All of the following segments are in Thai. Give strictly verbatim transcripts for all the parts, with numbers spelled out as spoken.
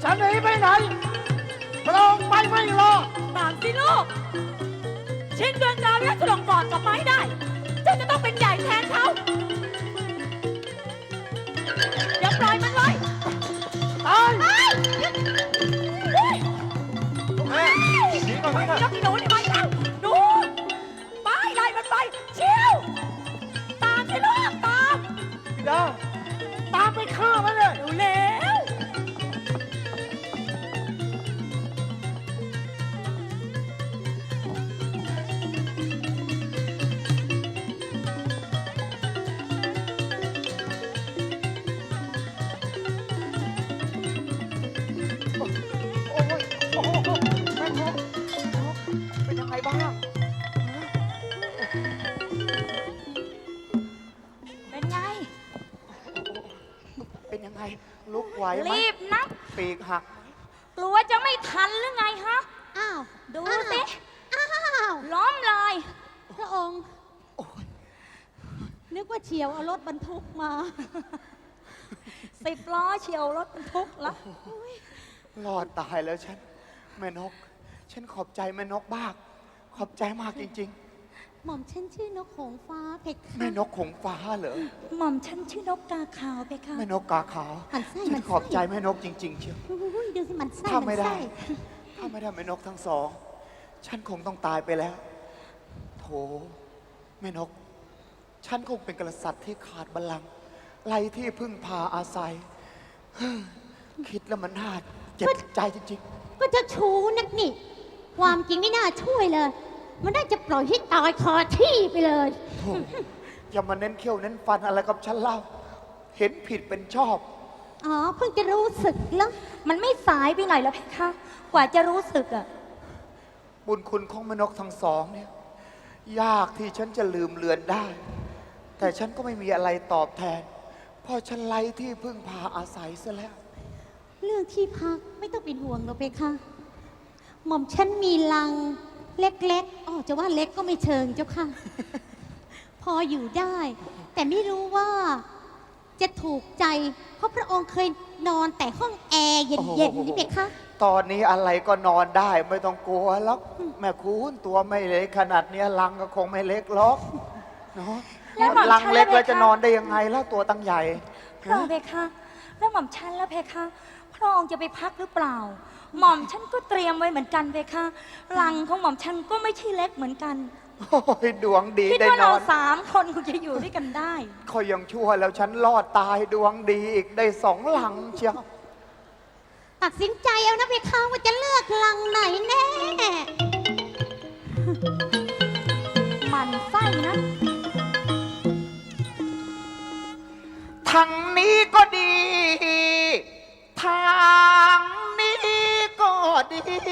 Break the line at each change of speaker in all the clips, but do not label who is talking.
จะหนีไปไหนพระองค์ไปไม่รอด
ตามสิลูกชิงดวงดาวและฉลองก่อนกลับมาให้ได้เจ้าจะต้องเป็นใหญ่แทนเขาอย่าปล่อยมันไว้
ตาย
ไป
แม่หนีก่อนไหมครับ
พี่หนูนี่ไปแล้วหนูไปไล่มันไปเชี่ยวตามสิลูกตาม
บิดาตามไปฆ่ามันเลย
เร็ว
โอ้ยโอ้โหแม่นกเป็นยังไงบ้าง
เป็นไง
เป็นยังไงลุกไหวไหม
รีบนับ
ปีกหัก
กลัวจะไม่ทันหรือไงฮะ
อ้าว
ดูสิ
อ้าว
ล้อมเลย
พระองค์ นึกว่าเฉียวเอารถบรรทุกมา
สิบล้อเฉียวรถบรรทุกละ
รอดตายแล้วฉันแม่นก ฉันขอบใจแม่นกมาก ขอบใจมากจริง
หม่อมฉันชื่อนกหงส์ฟ้าเพคะ
ๆ แม่นกหงส์ฟ้าเหรอ
หม่อมฉันชื่อนกกาขาวไปค่ะ
แม่นกกาขาว
หันไส้
ฉั
มัน น
ขอบใจแม่นกจริง ๆ เชียว
อุ้ยดูสิมันไส้
ถ้า
มั
ไม่
น
ได้
ไส้
ถ้าไม่ได้แม่นกทั้งสอง ฉันคงต้องตายไปแล้ว โถแม่นก ฉันคงเป็นกษัตริย์ที่ขาดบัลลังก์ไร้ที่พึ่งพาอาศัย คิดแล้วมันน่าเจ็บใจจริง
ก็จะชูนักนี่ ความจริงไม่น่าช่วยเลย มันน่าจะปล่อยให้ตายคาที่ไปเลย
ๆโถอย่ามาเน้นเขี้ยวเน้นฟันอะไรกับฉันเล่า เห็นผิดเป็นชอบ
อ๋อ เพิ่งจะรู้สึกแล้ว
มันไม่สายไปหน่อยแล้วเพคะ กว่าจะรู้สึกอ่ะ
บุญคุณของแม่นกทั้งสองเนี่ย ยากที่ฉันจะลืมเลือนได้ แต่ฉันก็ไม่มีอะไรตอบแทน เพราะฉันไร้ที่พึ่งพาอาศัยซะแล้ว
เรื่องที่พักไม่ต้องเป็นห่วงหรอกเพคะ หม่อมฉันมีลังเล็กๆอ๋อจะว่าเล็กก็ไม่เชิงเจ้าค่ะ พออยู่ได้ แต่ไม่รู้ว่าจะถูกใจ เพราะพระองค์เคยนอนแต่ห้องแอร์เย็นๆนี่เพคะ
ตอนนี้อะไรก็นอนได้ไม่ต้องกลัวแล้วแม่คุณตัวไม่เล็กขนาดเนี้ยลังก็คงไม่เล็กหรอกเนาะ
แล้วหม่อม
ลังเล็ก
ฉัน
แล้ว
ล่ะเพคะ
จะนอนได้ยังไงแล้วตัวตั้งใหญ่
พระองค์เพคะ แล้วหม่อมฉันแล้วเพคะ พระองค์จะไปพักหรือเปล่า หม่อมฉันก็เตรียมไว้เหมือนกันเพคะ รังของหม่อมฉันก็ไม่ใช่เล็กเหมือนกัน
โอ้ยดวงดี
คิด
ได้
ว่าน เรา
อน
สามคนคงจะอยู่ด้วยกันได้
คอยยังชั่วแล้วฉันรอดตายดวงดีอีกได้สองหลังเชียว
ตัดสินใจเอานะเพคะว่าจะเลือกลังไหนแน่
มันไส้นะ
ทางนี้ก็ดีทางนี้ก็ดี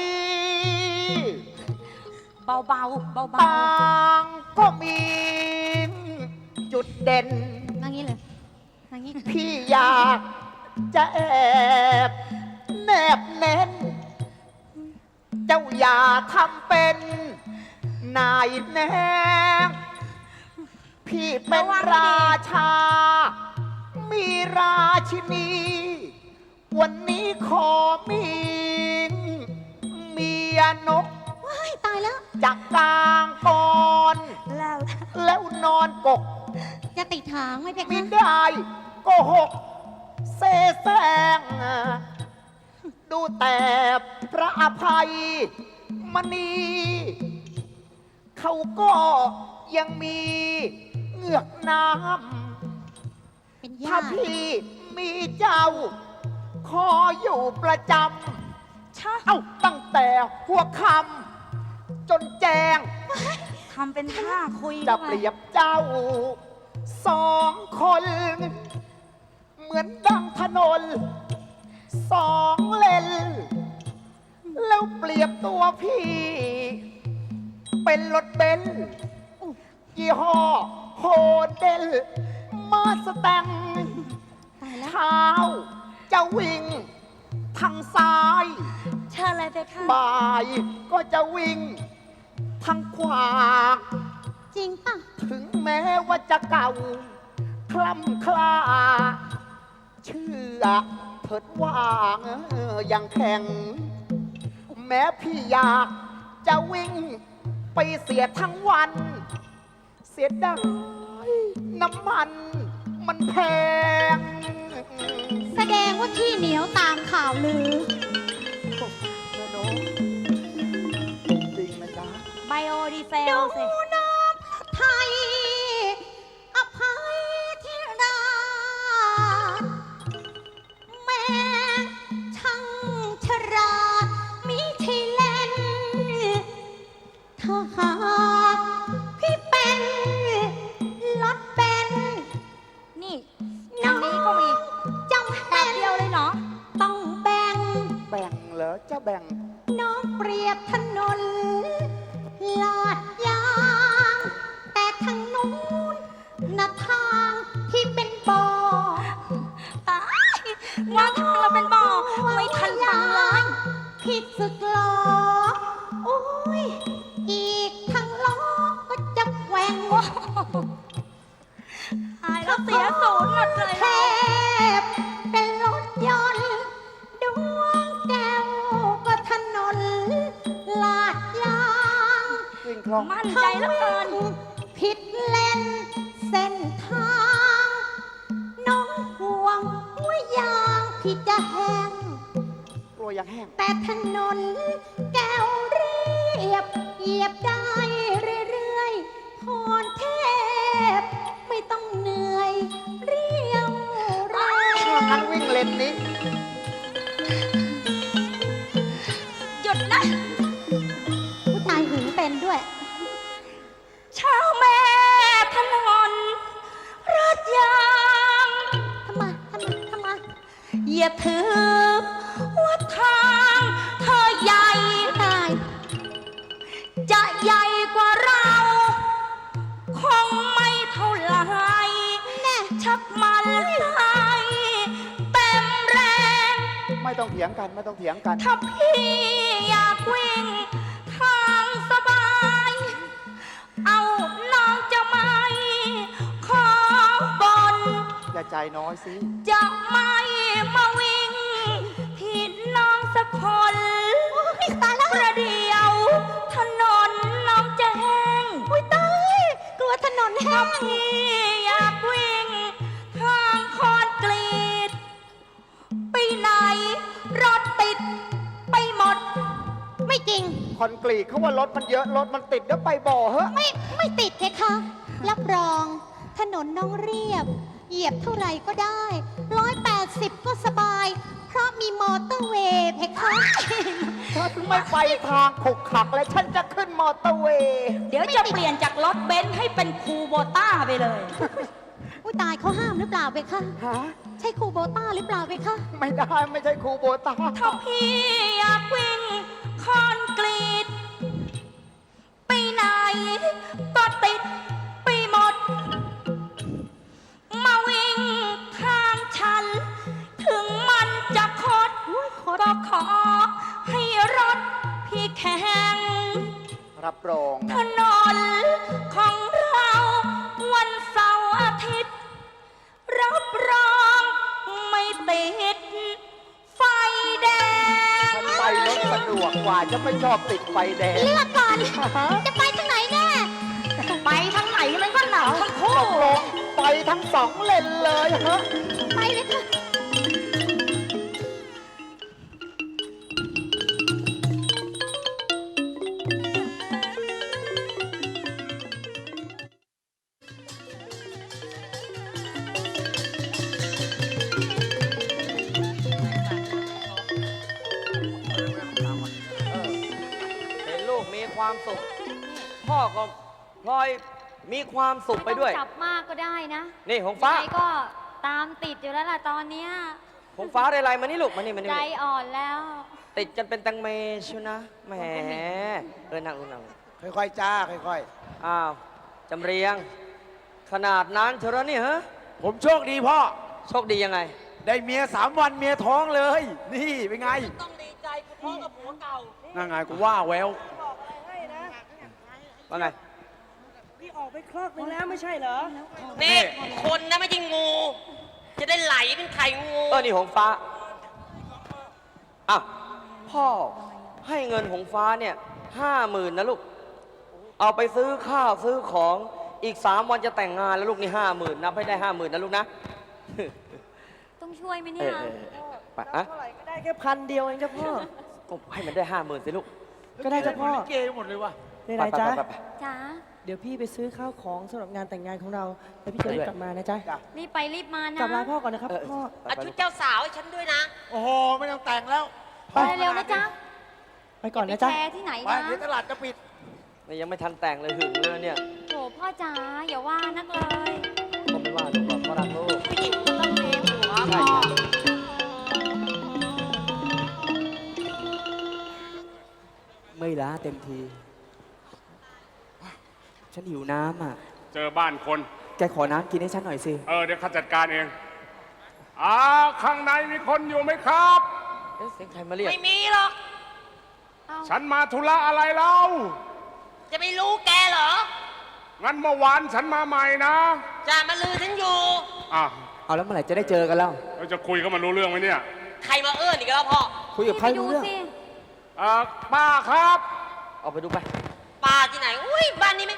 เบาๆเบาๆ
ต่างก็มีจุดเด่น
มางี้เลยมางี้
พี่อยากจะแอบแนบเน้น เจ้าอย่าทำเป็นนายแนงพี่เป็นราชา มีราชินี วันนี้ขอมีเมียนก
ว้ายตายแล้ว
จากกลางก่อน
แล้ว
แล้วนอนกก
จะติดถางไหมเพ
ไม่
คะ
ได้โกหกเสแสร้งดูแต่พระอภัยมณีเขาก็ยังมีเหงือกน้
เป็น
ำ
ญา
ถ้า
ติ
พี่มีเจ้า ขออยู่ประจ
ชะ
ำ เอ้าตั้งแต่หัวค่ำจนแจง
ทำเป็นท่าคุย
จะ
ด้วย
เปรียบเจ้า สองคน เหมือนดังถนน สองเลน แล้วเปรียบตัวพี่ เป็นรถเบนซ์ยี่ห้อโฮเดลมาสแตง
ตายแล้ว
เท้าจะวิ่งทางซ้าย
เชิญเลยเพคะ
บ่ายก็จะวิ่งทางขวา
จริงป่ะ
ถึงแม้ว่าจะเก่า คล่ำคลา เชื่อเถิดว่างเออยังแข็ง แม้พี่อยากจะวิ่งไปเสียทั้งวัน เสียดายน้ำมันมันแพง
แสดงว่าขี้เหนียวตามข่าวลือ
นะโนจริงนะจ๊ะ
ไบโอดีเซ
ดู
ลสิ
น้ำไทย อภัยที่ราชแม่ช่างฉลาดมิใช่เล่น ถ้าหากพี่เป็นรถเบนซ์
นี่อันนี้ก็มี
จำ
แป๊
เป็
บ
น
เดียวเลยเหรอ
ต้องแบ่ง
แบ่งเหรอจะแบ่ง
น้องเปรียบถนนลาดยาง แต่ทางนู้นนะทางที่เป็นบ่อ
ตายว่าทางเราเป็นบ่อไม่ทันฟังเลย
ผิดสึกหรอโอ้ย อีกทางล้อก็จะแหว่ง
ตายแล้วเสียศูนย์หมดเลย
แทบเป็นรถยนต์ดวงแก้วก็ถนนลาดยาง
วิ่งคล่อง
มั่นใจเหลือเกิน
ผิดเลนเส้นทาง น้องห่วงว่ายางพี่จะแห้ง
กลัวยังแห้ง
แต่ถนนแก้วเรียบเหยียบได้เรื่อยๆพรเทพไม่ต้องเหนื่อยเรียวแร
ถ้าง งั้นวิ่งเลนนี้
หยุดนะ
ผู้ชายหึงเป็นด้วย
ชาวแม่ถนนรถยาง
ทำไมทำไมทำไม
อย่าถือว่าทางเธอใหญ่
ตาย
จะใหญ่กว่าเรา คงไม่เท่าไหร
แน่
ชักมันไหลเต็มแรง
ไม่ต้องเถียงกันไม่ต้องเถียงกัน
ถ้าพี่อยากวิ่งทางสบาย เอาน้องจะไม่ขอบน
อย่าใจน้อยสิ
จะไม่มาวิ่งที่น้องสักคน
ตายแล้ว
ประเดี๋ยวถนนน้องจะแห้ง
อุ้ยตายกลัวถนนแห้
ถ้าง พี่อยากวิ่งทางคอนกรีตไปไหนรถติดไปหมด
ไม่จริง
คอนกรีตเขาว่ารถมันเยอะรถมันติดเดี๋ยวไปบ่อเหอะ
ไม่ไม่ติดเพคะ รับรอง ถนนน้องเรียบ เหยียบเท่าไหร่ก็ได้ร้อยแปดสิบก็สบาย เพราะมีมอเตอร์เวย์เพคะ
ฉันไม่ไปทางขกขักและฉันจะขึ้นมอเตอร์เวย์
เดี๋ยวจะเปลี่ยนจากรถเบนซ์ให้เป็นคูโบต้าไปเลย
อุ้ยตายเขาห้ามหรือเปล่าเพคะ
ฮะ
ใช่ครูโบต้าหรือเปล่าเพคะ
ไม่ได้ไม่ใช่ครูโบตา
ถ้าพี่อยากวิ่งคอนกรีตไปไหนก็ติดไปหมด มาวิ่งทางฉัน ถึงมันจะคดก็ขอให้รถพี่แข็ง
รับรอง
ถ
นะ
นนของเราวันเสาร์อาทิตย์ รับรองไม่ติดไฟแดง
ฉันไปรถสะดวกกว่าจะไม่ชอบติดไฟแดง
เลือกก่อน จะไปทางไหนแน่
ไปทางไหนมันก็หนาวทั้ง
ต
คู่
กลงไปทั้งสองเลนเลยฮะ
ไปเลยค่ะ
เห็นลูกมีความสุข พ่อก็พลอยมีความสุขไปด้วย
ม่ต้องจับมากก็ได้นะ
นี่หงฟ้า
ยังไงก็ตามติดอยู่แล้วล่ะตอนเนี้ย
หงฟ้าได้ไรมานี่ลูกมานี่มานี่
ใจ
มานี่
อ่อนแล้ว
ติดกันเป็นแตังเมชิวนะแหมเออนั่งลงนั่งลง
ค่อยๆ จ้า ค่อย
อ้าวจำเรียง ขนาดนั้นเชียวเหรอนี่ฮะ
ๆ ผมโชคดีพ่อ
โชคดียังไง
ได้เมียสามวันเมียท้องเลย นี่เป็นไง ต้องดีใจกูท้องกับผัวเก่า นั่งไงกูว่าแวว
ว่าไง
พี่ออกไปคลอกหนึงแล้วไม่ใช่เหรอ
นี่คนนะไม่ใช่งู จะได้ไหลเป็นไข่งู
เออนี่หงฟ้าอ่ะ พ่อให้เงินหงฟ้าเนี่ยห้าหมื่นนะลูก เอาไปซื้อข้าวซื้อของอีกสามวันจะแต่งงานแล้วลูกนี่ห้าหมื่นนับให้ได้ห้าหมื่นนะลูกนะ
ต้องช่วยไหม
เอ
เนี่ย
อเออเออไป
รับ
อ่ะ
เท่าไหร่ก็ได้แค่พันเดียวเองเจ้าพ่อ
ก็ให้มันได้ห้าหมื่นสิลูก
ก็ได้เจ้าพ่อ
ลิเกหมดเลยว่ะ
ได้ไรจ๊ะ
ไปไปไปไป
จ้า
เดี๋ยวพี่ไปซื้อข้าวของสำหรับงานแต่งงานของเราแล้วพี่จะรีบกลับมานะจ๊ะ
รีบไปรีบมานะ
กลับลาพ่อก่อนนะครับ
เออ
พ่อ
ไป
เอา
ไป
ชุดเจ้าสาวให้ฉันด้วยนะ
โอ้โห ไม่ต้องแต่งแล้ว
ไป
ไปเร็วๆนะจ๊ะ
ไปก่อน
ไป
นะจ๊ะ
แชร์ที่ไหน
ไป
นะ
เดี๋ยวตลาดจะปิด
นี่ยังไม่ทันแต่งเลยหึงเลยเนี่ย
โถพ่อจ๋าอย่าว่านักเลย
ก็ไม่ว่าลูกหรอกเพราะรักลูก
ผู้หญิงก็ต้องมีหัว
ใช่
พ่อ
ไม่ล้าเต็มที ฉันหิวน้ำอ่ะ
เจอบ้านคน
แกขอน้ำกินให้ฉันหน่อยสิ
เออ เดี๋ยวข้าจัดการเองอ่าข้างในมีคนอยู่ไหมครับ
เอ๊ะเสียงใครมาเรียก
ไม่มีหรอก
ฉันมาธุระอะไรเล่า
จะไม่รู้แกเหรอ
งั้นเมื่อวานฉันมาใหม่นะ
จะมาลือฉันอยู่
อ่ะ
เอาแล้วเมื่อไหร่จะได้เจอกันแล้ว
เราจะคุยกันมันรู้เรื่องไหมเนี่ย
ใครมาเอื้อนอีกแล้วพ่อ
คุยกับใคร
ไปดู
รู้เรื่อง
สิ
เอ่อป้าครับ
เอาไปดูไป
ป้าที่ไหน อุ้ยบ้านนี้ไหม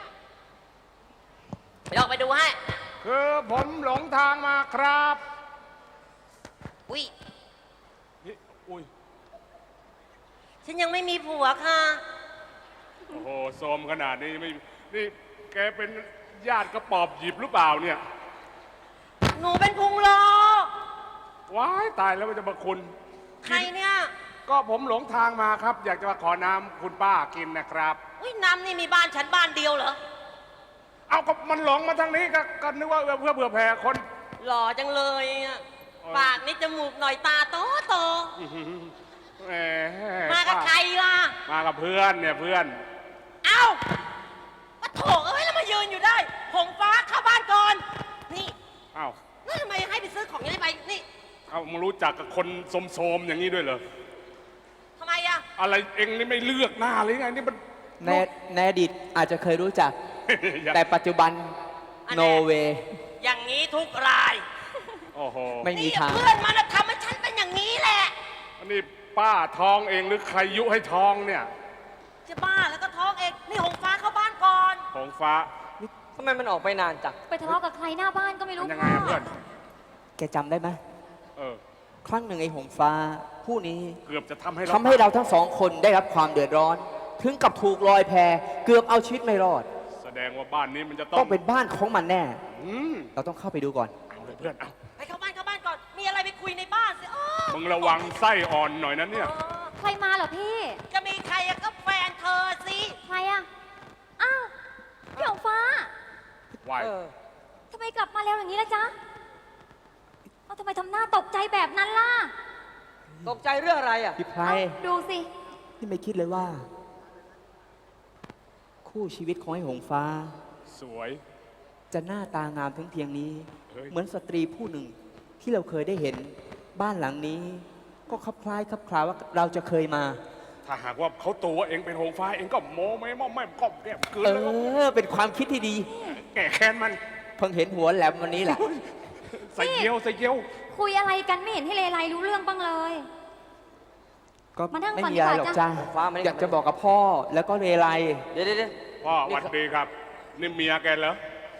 ไปออกไปดูให้
คือผมหลงทางมาครับ
อุ้ย
นี่อุ้ย
ฉันยังไม่มีผัวค่ะ
โอ้โหโซมขนาดนี้ไม่ นี่แกเป็นญาติกระปอบหยิบหรือเปล่าเนี่ย
หนูเป็นพุงโล
ว้ายตายแล้วมันจะมาคุณ
ใครเนี่ย
ก็ผมหลงทางมาครับ อยากจะมาขอน้ำคุณป้ากินนะครับ
อุ้ยน้ำนี่มีบ้านฉันบ้านเดียวเหรอ
เอาก็มันหลงมาทางนี้ก็ก็นึกว่าเอื้อเพื่อเผื่อแผ่คน
หล่อจังเลยอะ
เออ
ปากนี่จมูกหน่อยตาโตโต
แหม
มากับใครล่ะ
มากับเพื่อนเนี่ยเพื่อน
เอ้าปะโถเอ้ยแล้วมายืนอยู่ได้ หงฟ้าเข้าบ้านก่อน นี่
เอ้า
แล้วทำไมให้ไปซื้อของยังไงไป นี่
เอามึงรู้จักกับคนโสมๆอย่างนี้ด้วยเหรอ
ทำไมอะ
อะไรเองนี่ไม่เลือกหน้าเลยไงนี่มัน
ในในอดีตอาจจะเคยรู้จัก
อย่า
แต่ปัจจุบัน
อัน
โน
แน่
เว
อย่างนี้ทุกราย
โอ้โห
ไม่มี
นี่
ทาง
เพื่อนมันน่ะทำให้ฉันเป็นอย่างนี้แหละ
อันนี้ป้าท้องเองหรือใครยุให้ท้องเนี่ย
จะบ้าแล้วก็ท้องเอง นี่หงฟ้าเข้าบ้านก่อน
ของฟ้า
ทำไมมันออกไปนานจัง
ไปทะเลาะกับใครหน้าบ้านก็ไม่
มั
รู้
นยังไง
พ่อ
อะเพื่อน
แกจำได้ไหม
เออ
ครั้งหนึ่งไอ้หงฟ้า ผู้นี้
เกือบจะทำให้เรา
ทำให้เราทั้งสองคนได้รับความเดือดร้อน ถึงกับถูกลอยแพเกือบเอาชีวิตไม่รอด
แสดงว่าบ้านนี้มันจะต้อ
ต้อง งเป็นบ้านของมันแน่
อืม
เราต้องเข้าไปดูก่อน
เอาเลยเพื่อน เอา
ไปเข้าบ้านเข้าบ้านก่อน มีอะไรไปคุยในบ้านสิเออ
มึงระวังไส้อ่อนหน่อยนะเนี่ย
เออ
ใครมาเหรอพี่
จะมีใครอะก็แฟนเธอสิ
ใครอะอ้าวพี่หงฟ้า
ไหว
เออ
ทำไมกลับมาเร็วอย่างนี้ล่ะจ๊ะเอาทำไมทำหน้าตกใจแบบนั้นล่ะ
ตกใจเรื่องอะไรอ่ะ
พี่ไพร
เอ้าดูสิ
ที่ไม่คิดเลยว่า คู่ชีวิตของไอ้หงฟ้า
สวย
จะหน้าตางามถึงเพียงนี้
เฮ้ย
เหมือนสตรีผู้หนึ่งที่เราเคยได้เห็นบ้านหลังนี้ ก็คลับคล้ายคลับคลาว่าเราจะเคยมา
ถ้าหากว่าเขาตัวเองเป็นหงฟ้าเองก็โมไม่มอมไม่ก้อมแก้มเกิน
เอ
แล้วก็
อ เป็นความคิดที่ดี
แก่แค้นมัน
เพิ่งเห็นหัวแหลมวันนี้แหละ
ใส่เกียวใส่เกียว
คุยอะไรกันไม่เห็นให้เลไลรู้เรื่องบ้างเลย
ก็
มานั่ง
ไม่
ก่อน
มีอะไร
ดี
ห
ก
ร
ว่า
อกจ้า
ฟ้ามานี่
อยากจะบอกกับพ่อแล้วก็เรไล
เดี๋ยวเดี๋ยวเดี๋ยว
พ่อหวัดดีครับ นี่เมียแกเหรอ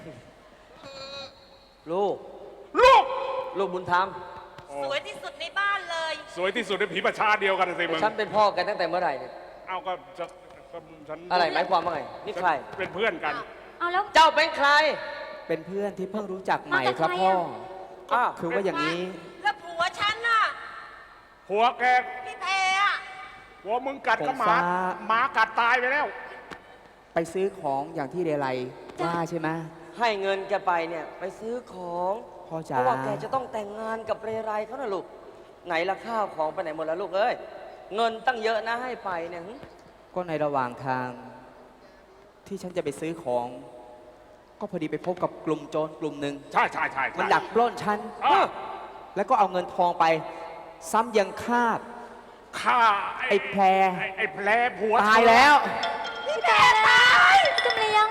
ลูก
ลูก
ลูกบุญธรรม
โอ้
สวยที่สุดในบ้านเลย
สวยที่สุดในผีประชาเดียวกันสิมึง
ฉันเป็นพ่อกันตั้งแต่เมื่อไหร่เนี่ย
เอาก็จะก็ฉัน
อะไรหมายความว่าไง นี่ใคร
เป็นเพื่อนกัน
เอาแล้ว
เจ้าเป็นใคร
เป็นเพื่อนที่เพิ่งรู้จักใหม่
มาจาก
ครับ
ใคร
พ่อ
อะ
อ้าว
คือว่าอย่างนี้
แล้วผัวฉันน่ะ
หัวแก
พี่แพรอะ
หัวมึงกัดก็หมา
ผมฟ้า
หมากัดตายไปแล้ว
ไปซื้อของอย่างที่เรไลว่าใช่ไหม
ให้เงินแกไปเนี่ย ไปซื้อของ
พ่อ
เพ
จ๋า
ราะว่าแกจะต้องแต่งงานกับเรไรเขานะลูก ไหนละข้าวของไปไหนหมดแล้วลูกเอ้ย เงินตั้งเยอะนะให้ไปเนี่ยหึ
ก็ในระหว่างทาง ที่ฉันจะไปซื้อของ ก็พอดีไปพบกับกลุ่มโจรกลุ่มหนึ่ง
ใช่ใช่ใช่ใช่
มันดักปล้นฉัน
อ้าว
แล้วก็เอาเงินทองไป ซ้ำยังคาบ
ฆ่า
ไอ้แพร
ไอ้ไอ้แพรผัว
ตายแล้ว
พี่แพรตาย
จำเรียง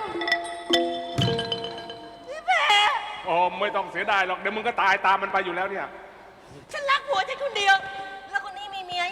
พี่แพร
โอ้ไม่ต้องเสียดายหรอก เดี๋ยวมึงก็ตายตามมันไปอยู่แล้วเนี่ย
ฉันรักผัวฉันคนเดียว แล้วคนนี้มีเมีย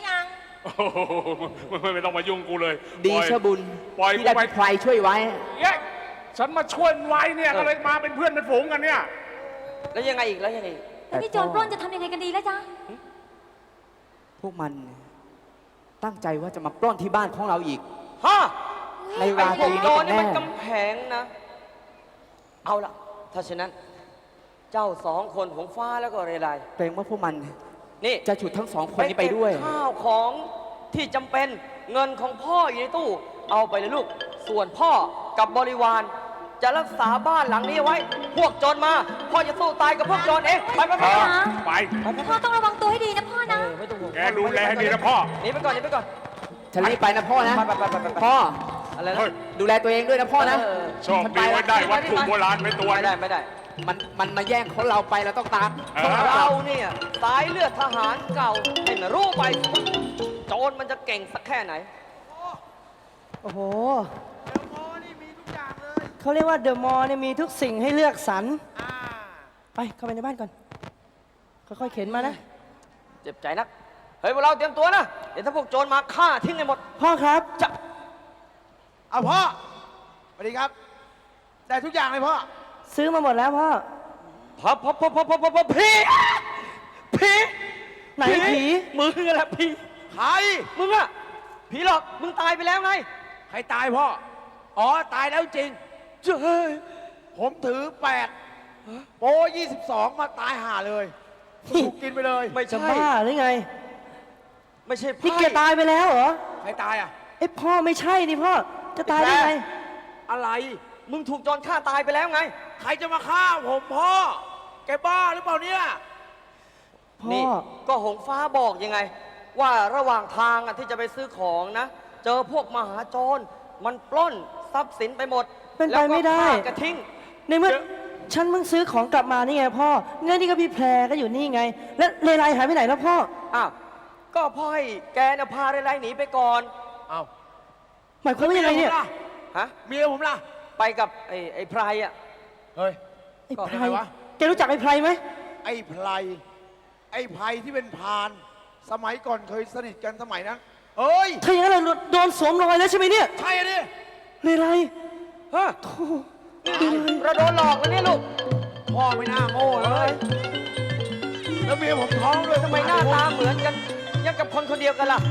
โอ้โหไม่ไม่ต้องมายุ่งกูเลย
ดี
ปล่อย
ชะบุญ
ปล่อย
ที่
กู
ได้
ไป
พี่ไพรช่วยไว้
เย้ฉันมาช่วยไว้เนี่ยก็เลยมาเป็นเพื่อนเป็นฝูงกันเนี่ย
แล้วยังไงอีกแล้วยังไงอีก
แล้วนี่โจรปล้นจะทำยังไงกันดีแล้วจ๊ะ
พวกมันตั้งใจว่าจะมาปล้นที่บ้านของเราอีก
ฮะ
ใน
ไอ้
รา
พ
ต
ว
รี
กโจ
นี้
ร
กัน
นี่
แน่
มันกำแพงนะ เอาล่ะ ถ้าฉะนั้น เจ้าสองคนของฟ้าแล้วก็เรไร
เกรงว่าพวกมัน
นี่
จะฉุดทั้งสองคนนี้ไปด้วย
เก็บข้าวของที่จำเป็นเงินของพ่ออยู่ในตู้ เอาไปเลยลูก ส่วนพ่อกับบริวาร จะรักษาบ้านหลังนี้ไว้ พวกโจรมา พ่อจะสู้ตายกับพวกโจรเอง ไปไปไป
เอ
ไป
อไป
พ่อต้องระวังตัวให้ดีนะพ่อนะ
เออไม่ต้องห่วง
แกดูแลให้ดีนะพ่อ
หนีไปก่อนหนีไปก่อน
ฉันรีบไปนะพ่อนะ
ไปไปไปไปไป
พ่อ
อะไรนะ
เฮ้ย
ดูแลตัวเองด้วยนะพ่อนะ
เออ
โชคดีไว้ได้วัตถุโบราณไปตัว
ไม่ได้ไม่ได้
มันมันมาแย่งของเราไปเราต้องตาม
เออ
เราเนี่ยสายเลือดทหารเก่าให้มันรู้ไป โจรมันจะเก่งสักแค่ไหน
โอ้โหเขาเรียกว่าเดอะมอลล์เนี่ยมีทุกสิ่งให้เลือกสรรไปเข้าไปในบ้านก่อน ค่อยๆเข็นมานะ
เจ็บใจนัก เฮ้ยพวกเราเตรียมตัวนะ เดี๋ยวถ้าพวกโจรมาฆ่าทิ้งให้หมด
พ่อครับ
จะ
เอาพ่อสวัสดีครับได้ทุกอย่างเลยพ่อ
ซื้อมาหมดแล้วพ่อ
พับพับพับพับพับพับพี่พี่
ไหนผี
มึงแหละพี่
ใคร
มึงอะผีหลอก มึงตายไปแล้วไง
ใครตายพ่อ อ๋อ ตายแล้วจริง
เจ้ย
ผมถือแปดโปยี่สิบสองมาตายห่าเลยถูกกินไปเลย
ไม่
จะ
ใช่
บ้าหรือไง
ไม่ใช่
นี่
ไพ่
แกตายไปแล้วเหรอ
ใครตายอ่ะ
เอ้ยพ่อไม่ใช่นี่พ่อ จะตายได้ไง
อะไร
มึงถูกโจรฆ่าตายไปแล้วไง
ใครจะมาฆ่าผมพ่อ แกบ้าหรือเปล่าเนี่ย
พ่อ
นี่ก็หงฟ้าบอกยังไง ว่าระหว่างทางอะที่จะไปซื้อของนะ เจอพวกมหาโจรมันปล้นทรัพย์สินไปหมด
เป็นไปไม่ได้
แล้วก็ฆ่ากระทิ้ง
ในเมื่อ
เดี๋ยว
ฉันเพิ่งซื้อของกลับมานี่ไงพ่อเงินนี่ก็พี่แพรก็อยู่นี่ไง แล้วเลไลหายไปไหนแล้วพ่อ
อ้าวก็พ่อให้แกนะพาไรๆหนีไปก่อน
เอา
หมายความว่ายังไงเนี่ย
ฮะ
เมียผมล่ะ
ไปกับไอ้ไอ้ไพรอะ
เฮ้ย
ไอ้
ก็
ไพร
ยังไงวะ
แกรู้จักไอ้ไพรไหม
ไอ้ไพรไอ้ไพรที่เป็นพราน สมัยก่อนเคยสนิทกันสมัยนั้นเอ้ย
ถ้าอย่างนั้นเราโดนสวมรอยแล้วใช่ไหมเนี่ย
ใช่อะดิ
เลไล
ฮะ
โธ่
เราโดนหลอกแล้วเนี่ยลูก
พ่อไม่น่าโง่เลย แล้วเมียผมท้องด้วย
ทำไมหน้าตาเหมือนกันยังกับคนคนเดียวกันล่ะ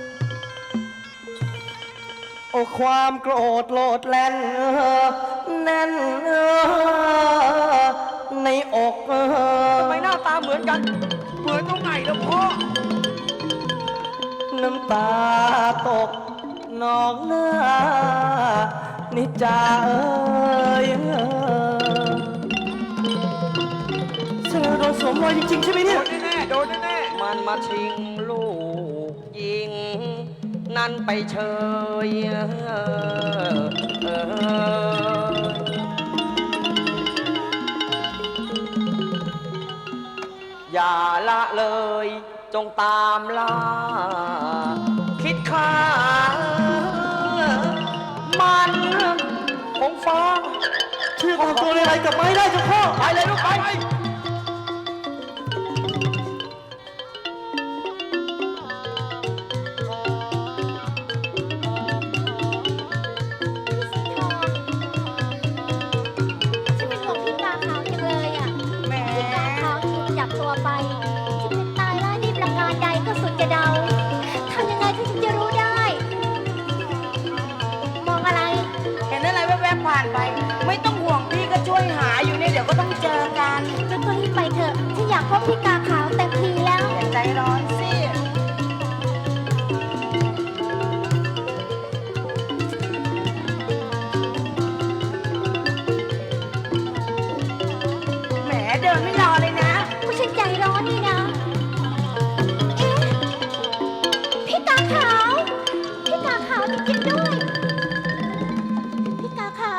โอ้ความโกรธโลดแล่นเออแน่นเออในอกเออ
ทำไมหน้าตาเหมือนกัน
เหมือนตรงไหนล่ะพ่อ
น้ำตาตกนองหน้า นิจาเอ้ยเออเธอโดนสวมรอยจริงๆใช่ไหม
โด
เนี่ย
นแน่ๆโดนแน่
มันมาชิงลูกยิง นั่นไปเชยเออเอออย่าละเลยจงตามล่า คิดฆ่ามันของฟ้า
ช่วยตามตัวเลไลกลับมาให้ได้เจ้าพ่อ
ไปเลยลูกไป
ฉันเป็นห่วงพี่กาขาวจังเลยอ่ะพี่กาขาวถูกจับตัวไปจะเป็นตายร้ายดีประการใดก็สุดจะเดาทำยังไงที่ฉันจะรู้ได้ มองอะไร
เห็นอะไรแวบๆผ่านไป ไม่ต้องห่วงพี่ก็ช่วยหาอยู่เนี่ยเดี๋ยวก็ต้องเจอกัน
งั้นก็รีบไปเถอะฉันอยากพบพี่กาขาวเต็มทีแล้ว
อย่าใจร้อนสิ แหมเดินไม่รอเลยนะ
ผู้ฉันใจร้อนนี่นะ เอ๊ะ พี่กาขาว พี่กาขาวจริงๆด้วย พี่กาขาว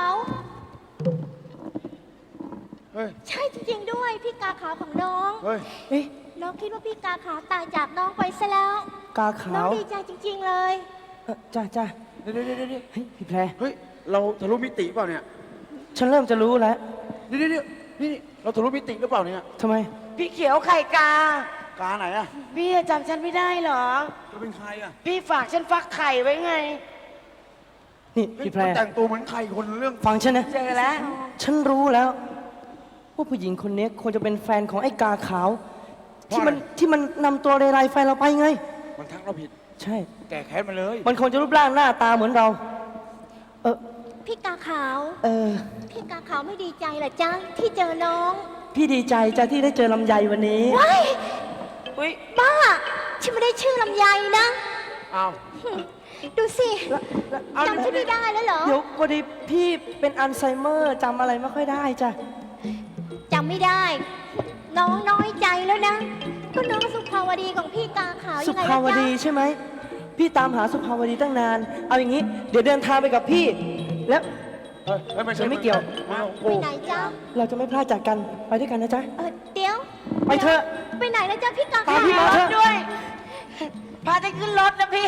ๆ เฮ้ย
ใช่จริงๆด้วย พี่กาขาวของน้อง
เฮ้ย
เอ๊ะ
น้องคิดว่าพี่กาขาวตายจากน้องไปซะแล้ว
กา
น้
ขา
อง
ว
ดีใจจริง ๆ เลย
เอ่อจ้าจ้า
เดี๋ยวเดี๋ยวเดี๋ยวเดี๋ยว
เฮ้ยพี่แพร
เฮ้ย เราทะลุมิติเปล่าเนี่ย
ฉันเริ่มจะรู้แล้ว
เดี๋ยวเดี๋ยวเดี๋ยวนี่เราทะลุมิติหรือเปล่าเนี่ย
ทำไม
พี่เขียวไข่กา
กาไหนอะ
พี่จำฉันไม่ได้เหรอ
จะเป็นใครอะ
พี่ฝากฉันฟักไข่ไว้ไง
นี่พี่แพร
มันแต่งตัวเหมือนใครคนเรื่อง
ฟังฉันนะ
เจอแล้ว
ฉันรู้แล้ว ว่าผู้หญิงคนนี้ควรจะเป็นแฟนของไอ้กาขาว ที่มันที่มันนำตัวเรไรแฟนเราไปไง
มันทักเราผิด
ใช่
แก่แค้นมาเลย
มันควรจะรูปร่างหน้าตาเหมือนเรา เออ
พี่กาขาว
เออ
พี่กาขาวไม่ดีใจเหรอจ๊ะที่เจอน้อง
พี่ดีใจจ้ะที่ได้เจอลำไยวันนี้
ว้าย
อุ้ย
บ้าฉันไม่ได้ชื่อลำไยนะ
อ้าว
ดูสิ
เอา
จำฉันไม่ได้แล้วเหรอ
เดี๋ยวพอดีพี่เป็นอัลไซเมอร์จำอะไรไม่ค่อยได้จ้ะ
จำไม่ได้ น้องน้อยใจแล้วนะ ก็น้องสุภาวดีของพี่กาขาว
สุ
ยังไง
ภาว
ล่ะ
ดี
จ๊ะ
ใช่ไหม พี่ตามหาสุภาวดีตั้งนาน เอาอย่างนี้ เดี๋ยวเดินทางไปกับพี่ แล้ว
เฮ้ยเฮ้ยไม่ใช่
ไม่เกี่ยว
ไม่เอา
ไปไหนจ๊ะ
เราจะไม่พลาดจากกัน ไปด้วยกันนะจ๊ะ
เออเดี๋ยว
ไปเถอะ
ไปไหนแล้วจ๊ะพี่กา
ตา
ขาม
พี่มาว เถอะ
ด้วย พาจะขึ้นรถนะพี่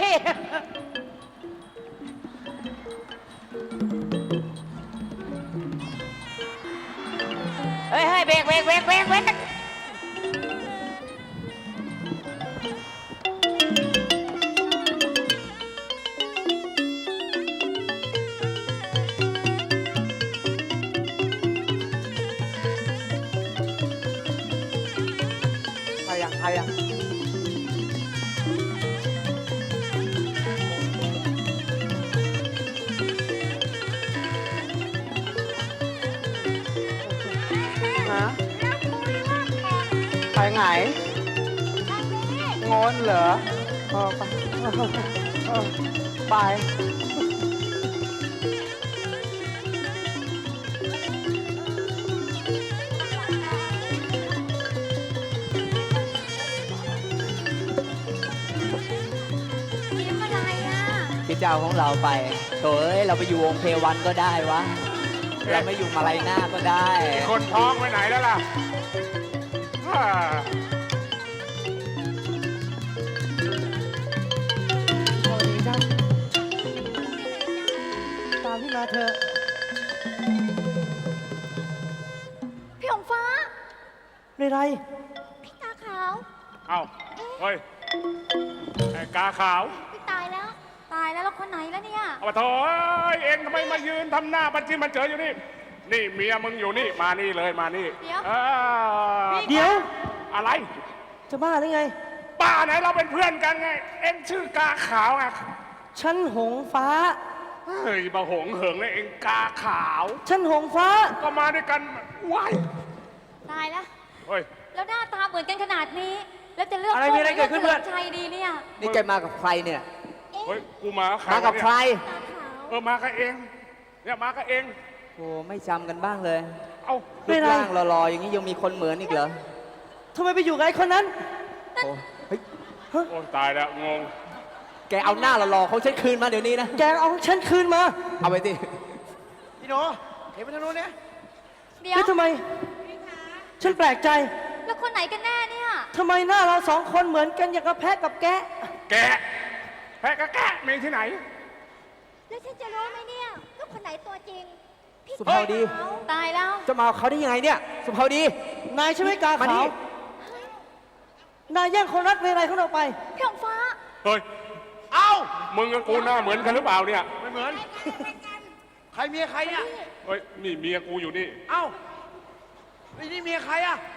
เฮ้ยเฮ้ยเบรกเบรกเบรกเบรกเบรก
ใครอะใครอะฮะไปไหนงอนเหรอเออไปเออไป
ยิ้มอะไรอ่ะ
คิดจะเอาของเราไปโถเอ้ย เราไปอยู่วงเพวันก็ได้วะ เราไม่อยู่มาลัยหน้าก็ได้
คนท้องไปไหนแล้วล่ะอ่า
สวัสดีจ้ะตามพี่มาเถอะ
พี่หงฟ้า
เรไร
พี่กาขาว
เอ้า เฮ้ย ไอ้กาขาว
พี่ตายแล้ว ตายแล้วแล้วคนไหนแล้วเนี่ย
เอามาโถเอ้ยเองทำไมมายืนทำหน้าบัญชีมันเจออยู่นี่ นี่เมียมึงอยู่นี่ มานี่เลยมานี่
เดี๋ยว
ออ
เดี๋ยว
อะไร
จะบ้าหรือไง
ป้าไหนเราเป็นเพื่อนกันไง เอ็งชื่อกาขาวไง
ฉันหงฟ้า
เฮ้ยบะหงเหิงเลยเอ็งกาขาว
ฉันหงฟ้า
ก็มาด้วยกันว้าย
ตายแล้ว
เฮ้ย
แล้วหน้าตาเหมือนกันขนาดนี้ แล้วจะเลือก
อะไรมีอะไรเกิดขึ้นเพื่อน
ลืชัยดีเนี่ย
นี่แกมากับใครเนี่ย
เฮ้ย กูมากับใคร
มากับ
วะเนี่ย
ใคร
กาขาว
เออมากับเอง เนี่ยมากับเอง
โอ้ไม่จำกันบ้างเลย
เอ้า
รูปร่างหล่อๆอย่างนี้ยังมีคนเหมือนอีกเหรอ
ทำไมไปอยู่กับไอ้คนนั้น
โอ้เฮ้ย
โอ้ตายแล้วงง
แกเอาหน้าหล่อๆเขาฉันคืนมาเดี๋ยวนี้นะ
แกเอาฉันคืนมา
เอาไปสิ
พี่หนูเห็นไปทางนู้นเนี่ย
เดี๋ยว
แล้วทำไม ฉันแปลกใจ
แล้วคนไหนกันแน่เนี่ย
ทำไมหน้าเราสองคนเหมือนกันอย่างกับแพะกับแกะ
แกะแพะกะแกะมีที่ไหน
แล้วฉันจะรู้ไหมเนี่ยว่าคนไหนตัวจริง พี่
สุภาวดี
ขาว
ตายแล้ว
จะมาเอาเขาได้ยังไงเนี่ย สุภาวดี
นายใช่ไหมกา
มานี่
ขาว นายแย่งคนรักเรไรเขาเราไป
พี่หงฟ้า
เฮ้ย
เอ้า
มึงกับกูหน้าเหมือนกันหรือเปล่าเนี่ย
ไม่เหมือน ใครเมียใครเนี่ย
เฮ้ย นี่เมียกูอยู่นี่
เอ้าไอ้นี่เมียใครอะ